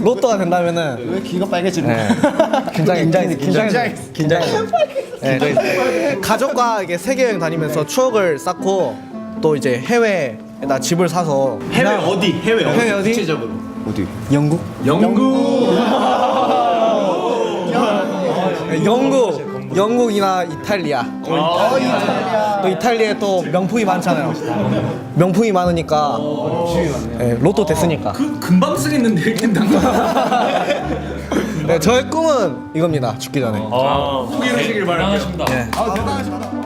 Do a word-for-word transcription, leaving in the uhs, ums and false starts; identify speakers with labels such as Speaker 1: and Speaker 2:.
Speaker 1: 로또가 된다면은
Speaker 2: 왜 귀가 빨개지는
Speaker 1: 네. 긴장 긴장 긴장 긴장. 네, 저희 가족과 이게 세계 여행 다니면서 추억을 쌓고 또 이제 해외에다 집을 사서
Speaker 3: 해외 어디? 해외 어디?
Speaker 1: 해외 어디?
Speaker 3: 구체적으로.
Speaker 2: 어디?
Speaker 1: 영국?
Speaker 3: 영국.
Speaker 1: 네, 영국, 영국이나 이탈리아.
Speaker 3: 아, 이탈리아.
Speaker 1: 또 이탈리아에 또 명품이 많잖아요. 명품이 많으니까 네, 로또 됐으니까.
Speaker 3: 그 금방 쓰겠는데 이렇게 당.
Speaker 1: 네, 저의 꿈은 이겁니다. 죽기 전에.
Speaker 3: 포기하시길 바랍니다.
Speaker 4: 대단하십니다.
Speaker 1: 네.
Speaker 2: 아 대단하십니다.